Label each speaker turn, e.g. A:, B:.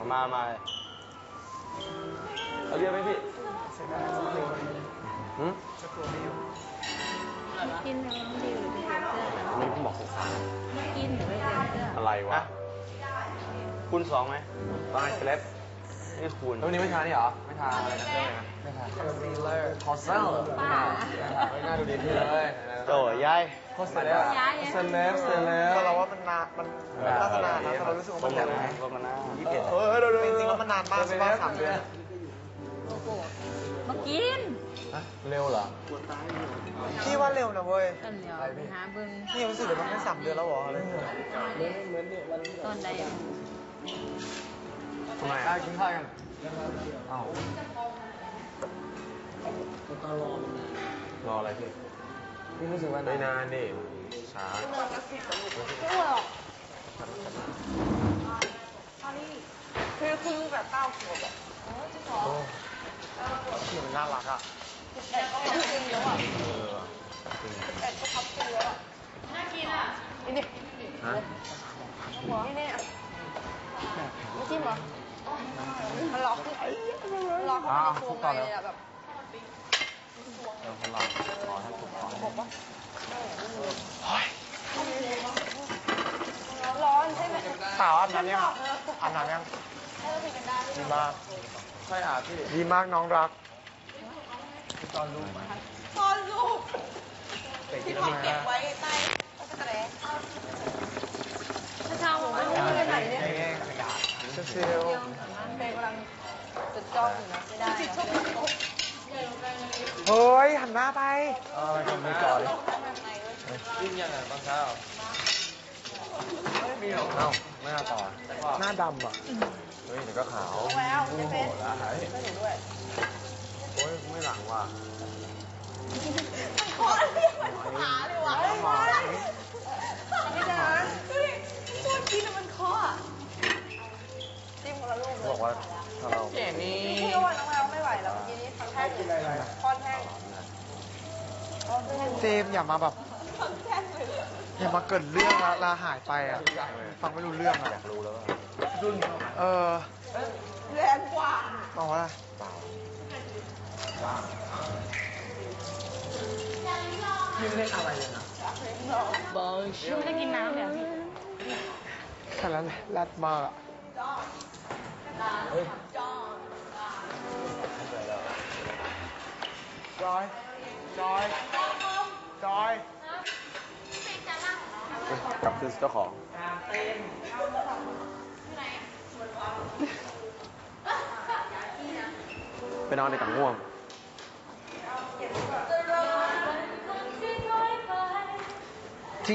A: มาเอาเรียกไหมพี่
B: กินน้ำดิวหรือไปเปลี่ยนเสื้อกัน
A: นี่ผมบอกสงสาร
B: ไม่กินหรือไปเปลี่ยนเสื้อ
A: อะไรวะคูณ2ไหมตอนเล็บนี่คูณวันนี้ไม่ทานนี่เหรอไม่ทานอะไรนะไม่ทานคอนซีลเลอร์คอสเซลไม่น่าดูดีที่เลยโอ้ยายคอสเซลเลอร์เซเลบ
C: ก็เราว่ามันนานมันน่าจะนานนะแต่เรารู้สึกว่ามันแบบ
A: ลงกันนะ
C: จริงๆแล้วมันนานมากใช่ไหม3 เดือน
B: โลโก้มากิน
A: เร็วเหรอ
C: พี่ว่าเร็วนะเว้ย
B: ต้นเดียวไปหาเบิ้ง
C: นี่รู้สึกเลยมันแค่3 เดือนแล้วเหรออะไรเงี้ย
B: ต้นใดอ่ะ
A: ทำไมกินข้าวกันอ้าวรออะไรพี่พี่รู้สึกว่าไม่นานดิช้า
C: คือคุณแบบ9 ขวบอ่ะที่มันน่ารักอ่ะ
B: น่ากินอ่ะนี่นี่
A: ฮะ
B: นี่นี่ไม่จิ้มเหรอมันล็อกขึ้นล็อกเข้าไปในตัวไงเลยอ่ะแบบ
A: คนเราขอให้ถูกต้อง
B: ร้อนใช่ไหม
C: สาวอาบน้ำยังอาบน้ำยังดีมาก
A: ใช่อ่ะพี่
C: ดีมากน้องรัก
A: ตอนรู้ไหม
C: ที่เขาเก็บไว้
B: เช้าบอกว่าไม่ได้ไหนเนี่ย
C: เซล
B: เบย์กำลังจดจ้องอยู่นะไม่ได้
C: เฮ้ยหันหน้าไป
A: ไม่ก่อนยิ่งยังไงตอนเช้าไม่มีหรอกเอ้าไม่น่าต่อ
C: หน้าดำอ่ะ
A: เฮ้ยเดี๋ยวก็ขาว
B: แล้วไม่เป็น
A: โอ้โหละหาย
B: ไม่หนูด้วย
A: โอ้ยไม่หลังว่ะ
B: ขอเรียกมันขาเลยวะไม่ได้ตัวกินมันคอจิ้มคนละลูกเลย
A: บอกว่าถ้าเรา
B: พี่อ้วนน้องแมวไม่ไหวแล้วเมื่อกี้นี้ทำแค่กินอะไรคอนแห้ง
C: เจมส์อย่ามาแบบอย่ามาเกิดเรื่องแล้วลาหายไปอ่ะฟังไม่รู้เรื่องอ่ะ
A: อยากรู้แล้วว่า
B: แรงกว่า
C: บอกว่า
A: เปล่า
C: พี่ไม่ได้อะไรเลยนะ
B: พี่ไม่ได้กินน้ำเลยพี่
C: แค่นั้นแรดมากอ่ะจอย
A: กลับคือเจ้าของไปนอนในกับง่วง